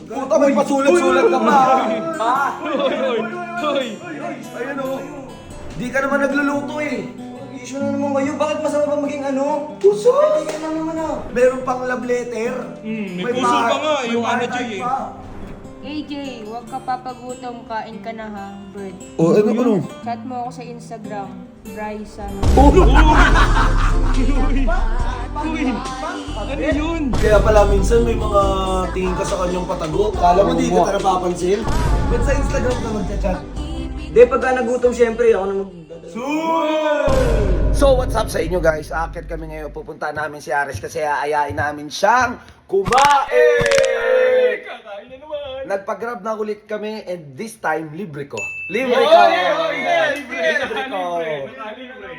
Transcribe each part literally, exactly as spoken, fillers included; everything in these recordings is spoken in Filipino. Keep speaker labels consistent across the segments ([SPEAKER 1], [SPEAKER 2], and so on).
[SPEAKER 1] Puta, may pasulat-sulat ka pa. Ha?
[SPEAKER 2] Hoy!
[SPEAKER 1] Ayun o. Di ka naman nagluluto eh.
[SPEAKER 3] Issue na naman kayo. Bakit masama ba maging ano?
[SPEAKER 1] Puso!
[SPEAKER 3] Kaya lang naman ah.
[SPEAKER 1] Meron pang love letter.
[SPEAKER 2] Hmm, may puso pa nga,
[SPEAKER 1] may
[SPEAKER 2] yung ano,
[SPEAKER 1] heart
[SPEAKER 2] Jay, eh.
[SPEAKER 1] pa.
[SPEAKER 4] A J, huwag ka papagutom, kain ka na ha, bird.
[SPEAKER 1] Oh, ano ano?
[SPEAKER 4] Chat mo ako sa Instagram, Bryson.
[SPEAKER 1] Oh!
[SPEAKER 2] Uy! Ano yun?
[SPEAKER 1] Kaya pala minsan may mga tingin ka sa kanyang patago. Kala mo di ka napapansin. Ba't sa Instagram ka magchat-chat?
[SPEAKER 3] Di, pagka nagutom syempre, ako na magdadala.
[SPEAKER 1] So what's up sa inyo guys? Akit kami ngayon. Pupunta namin si Ares kasi aayain namin siyang kumain!
[SPEAKER 2] Kakain na naman!
[SPEAKER 1] Nagpa-grab na ulit kami and this time libre ko. Libre
[SPEAKER 2] Oh,
[SPEAKER 1] ko!
[SPEAKER 2] yeah, oh, yeah, libre!
[SPEAKER 1] Libre ko!
[SPEAKER 2] Libre!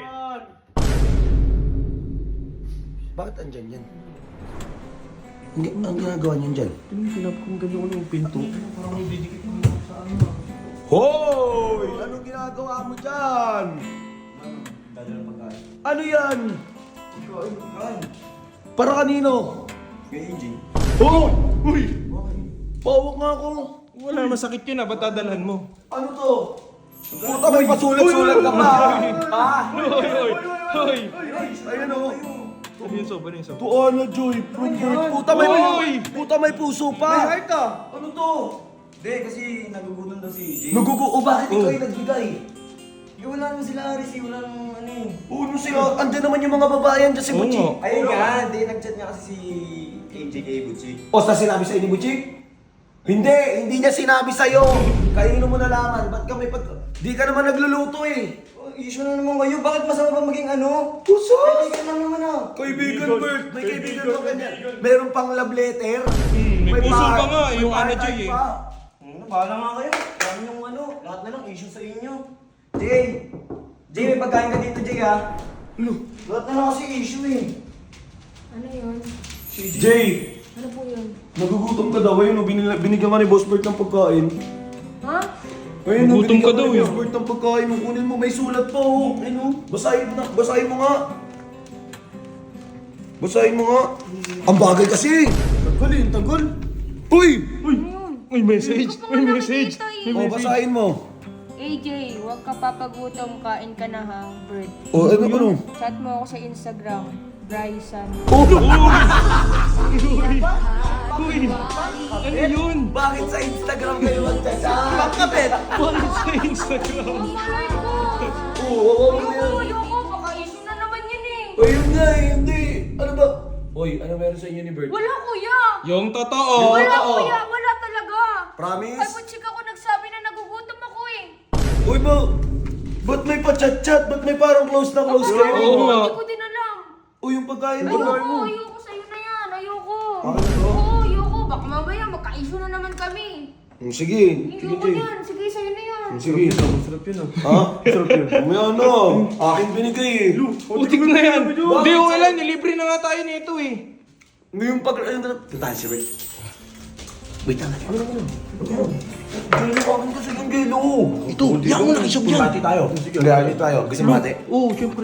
[SPEAKER 1] Bakit andyan yan? Hindi, ang ginagawa niyan dyan?
[SPEAKER 2] Pinap kung ganyan ko yung pinto. Parang may didikit mo sa ano.
[SPEAKER 1] Hoy! Anong ginagawa mo dyan?
[SPEAKER 3] Dadala pagkain.
[SPEAKER 1] Ano yan?
[SPEAKER 3] Ikaw ay pagkain.
[SPEAKER 1] Para kanino?
[SPEAKER 3] Kaya A J.
[SPEAKER 1] Oh!
[SPEAKER 2] Uy!
[SPEAKER 1] Pawak nga ako!
[SPEAKER 2] Wala, masakit yun ah. Ba't dadalhan mo?
[SPEAKER 1] Ano to? Puta, may pasulat-sulat ka pa! Ha?
[SPEAKER 2] Hoy! Hoy! Hoy!
[SPEAKER 1] Ayun o!
[SPEAKER 2] Ano yung soba? Ano yung soba?
[SPEAKER 1] Tuana, Joy! Puta, may,
[SPEAKER 2] Hoy!
[SPEAKER 1] puta, may puso pa!
[SPEAKER 3] May heart ah.
[SPEAKER 1] Ano to?
[SPEAKER 3] Hindi, kasi nagugutom daw si A J.
[SPEAKER 1] Nagugu... O bakit ikaw yung nagbigay?
[SPEAKER 3] Eh, wala naman sila Aris eh. Wala naman ano eh.
[SPEAKER 1] Oo, ano sila? Andyan naman yung mga babae andyan si
[SPEAKER 2] Oo
[SPEAKER 1] Butchik.
[SPEAKER 2] nga.
[SPEAKER 3] Ayun nga, hindi. Nag-chat niya kasi si A J kay Butchik.
[SPEAKER 1] O sa sinabi sa'yo ni Butchik? Hindi, hindi niya sinabi sa'yo. Kanino mo nalaman? Ba't ka may pag... Di ka naman nagluluto eh.
[SPEAKER 3] Oh, issue na naman kayo. Bakit masama ba maging ano?
[SPEAKER 1] Puso!
[SPEAKER 3] Kaya lang naman ah.
[SPEAKER 1] Kaibigan, Bert. May kaibigan ba ganyan? Meron pang love letter.
[SPEAKER 2] Hmm, may puso
[SPEAKER 1] pa-
[SPEAKER 2] pa nga,
[SPEAKER 1] may
[SPEAKER 2] yung ano,
[SPEAKER 1] heart
[SPEAKER 2] Jay, eh.
[SPEAKER 1] pa.
[SPEAKER 3] Ano, bahala nga kayo. Dami yung ano. Lahat na lang issue sa inyo. Jay! Jay, may pagkain ka dito, Jay ha?
[SPEAKER 1] Ano?
[SPEAKER 3] Lahat na lang kasi issue eh.
[SPEAKER 4] Ano yun?
[SPEAKER 1] Jay,
[SPEAKER 4] Ano po yun?
[SPEAKER 1] nagugutom ka daw. Ayun, oh, binila- binigyan ka ni Boss Bert ng pagkain.
[SPEAKER 4] Ha?
[SPEAKER 1] Ayun, oh,
[SPEAKER 2] Nagugutom
[SPEAKER 1] binigyan
[SPEAKER 2] ka
[SPEAKER 1] ka
[SPEAKER 2] daw,
[SPEAKER 1] ni
[SPEAKER 2] eh.
[SPEAKER 1] Boss Bert ng pagkain. Nung kunin mo, may sulat pa oh. Ayun, oh. Basahin mo na. Basahin mo nga. Basahin mo nga. Ang bagay kasi. Tagal eh, tagal. Uy!
[SPEAKER 2] Uy! May message!
[SPEAKER 4] Hindi ko pa
[SPEAKER 2] May
[SPEAKER 4] nga
[SPEAKER 2] message!
[SPEAKER 4] nakikita eh.
[SPEAKER 2] May
[SPEAKER 1] Oh,
[SPEAKER 2] message!
[SPEAKER 1] basahin mo.
[SPEAKER 4] A J, huwag ka papagutom, kain ka na ha, bird.
[SPEAKER 1] Oh, ano, ano?
[SPEAKER 4] Chat mo ako sa Instagram, Bryson.
[SPEAKER 1] Oh!
[SPEAKER 2] Uy! Ano yun?
[SPEAKER 1] Bakit sa Instagram kayo magchat-chat? Bakit?
[SPEAKER 2] Bakit sa Instagram?
[SPEAKER 4] Malay ko!
[SPEAKER 1] Oo, oo, oo.
[SPEAKER 4] Ayoko, ayoko, baka issue na naman yun eh.
[SPEAKER 1] Ayun nga eh, hindi. Ano ba? Oy, ano meron sa inyo ni Bert?
[SPEAKER 4] Wala kuya!
[SPEAKER 2] Yung totoo!
[SPEAKER 4] Wala
[SPEAKER 1] totoo.
[SPEAKER 4] kuya, wala talaga!
[SPEAKER 1] Promise?
[SPEAKER 4] Kay Butchik ako nagsabi na nagugutom ako eh.
[SPEAKER 1] Uy, ba? Ba't may pa-chat-chat? Ba't may parang close na close
[SPEAKER 4] Ako,
[SPEAKER 1] kayo?
[SPEAKER 2] Oo nga.
[SPEAKER 4] Hindi ko din alam.
[SPEAKER 1] Uy, yung pagkain mo.
[SPEAKER 4] Ayoko, ayoko sa'yo na yan, ayoko.
[SPEAKER 1] Akin na to?
[SPEAKER 4] Oo, ayoko. Baka mamaya magka-issue na naman kami.
[SPEAKER 1] Hmm, sige. Sige,
[SPEAKER 4] Ayoko
[SPEAKER 1] Jay.
[SPEAKER 4] yan, sige sa'yo na yan.
[SPEAKER 1] Sige.
[SPEAKER 2] Sarap yun ah.
[SPEAKER 1] Ha? Sarap yun. Umaya na. Akin binigay eh.
[SPEAKER 2] Putik na yan! Hindi, okay lang. Nilibre na nga tayo nito eh.
[SPEAKER 1] May yung pag... Ayun na. Puntahan si Bert. Wait lang. Ano na ano? Gelo ka akin kasi yung gelo. Ito, yan mo na isog yan. Bati tayo. Bati tayo. Gusto mo bati?
[SPEAKER 2] Oo, syempre.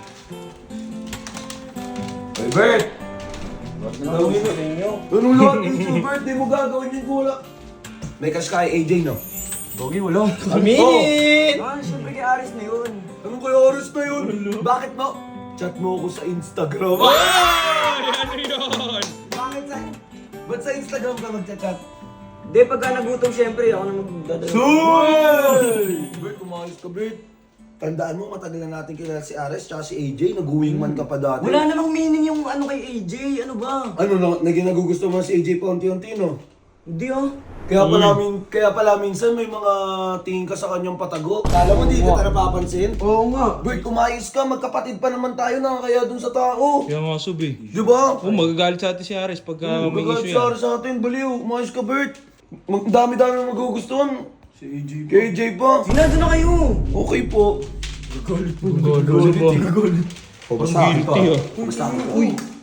[SPEAKER 1] Hey, Bert! Gagawin mo ninyo. Anong lahat dito, Bert? Di mo gagawin yung gula. May cash kay A J, no?
[SPEAKER 2] Gogi, wala.
[SPEAKER 1] Minute!
[SPEAKER 3] Ah, syempre kay Aris na yun.
[SPEAKER 1] Anong kaya oras na yun? Bakit mo? Chat mo ako sa Instagram.
[SPEAKER 2] Ay! Ano yun?
[SPEAKER 1] Bakit sa... Ba't sa Instagram ka magchat-chat?
[SPEAKER 3] Hindi, pagka nagutom syempre, ako na magdadala.
[SPEAKER 1] Soy! Bert, umayos ka, Bert. Tandaan mo, matagal na natin kilala si Ares tsaka si A J. Nag-wingman ka pa dati.
[SPEAKER 3] Wala namang meaning yung ano kay A J. Ano ba?
[SPEAKER 1] Ano na, naging nagugusto mo si A J pa unti-unti, no?
[SPEAKER 3] Hindi ah.
[SPEAKER 1] Kaya pala, min, kaya pala minsan may mga tingin ka sa kanyang patago. Kala mo di ka napapansin?
[SPEAKER 2] Oo nga.
[SPEAKER 1] Bert, umayos ka. Magkapatid pa naman tayo nakakaya dun sa tao.
[SPEAKER 2] Kaya nga, sub eh.
[SPEAKER 1] Di ba?
[SPEAKER 2] Oo, magagalit sa atin si Ares pagka may
[SPEAKER 1] Magalit
[SPEAKER 2] issue
[SPEAKER 1] sa
[SPEAKER 2] yan.
[SPEAKER 1] sa atin, baliw. Umayos ka, Bert. Mag- dami-dami magugustuhan. Si A J pa. Kay A J pa.
[SPEAKER 3] Sinado na kayo.
[SPEAKER 1] Okay po.
[SPEAKER 2] Galit ba?
[SPEAKER 1] O, basta
[SPEAKER 2] Ang guilty ah.
[SPEAKER 1] Basta ako. Uy,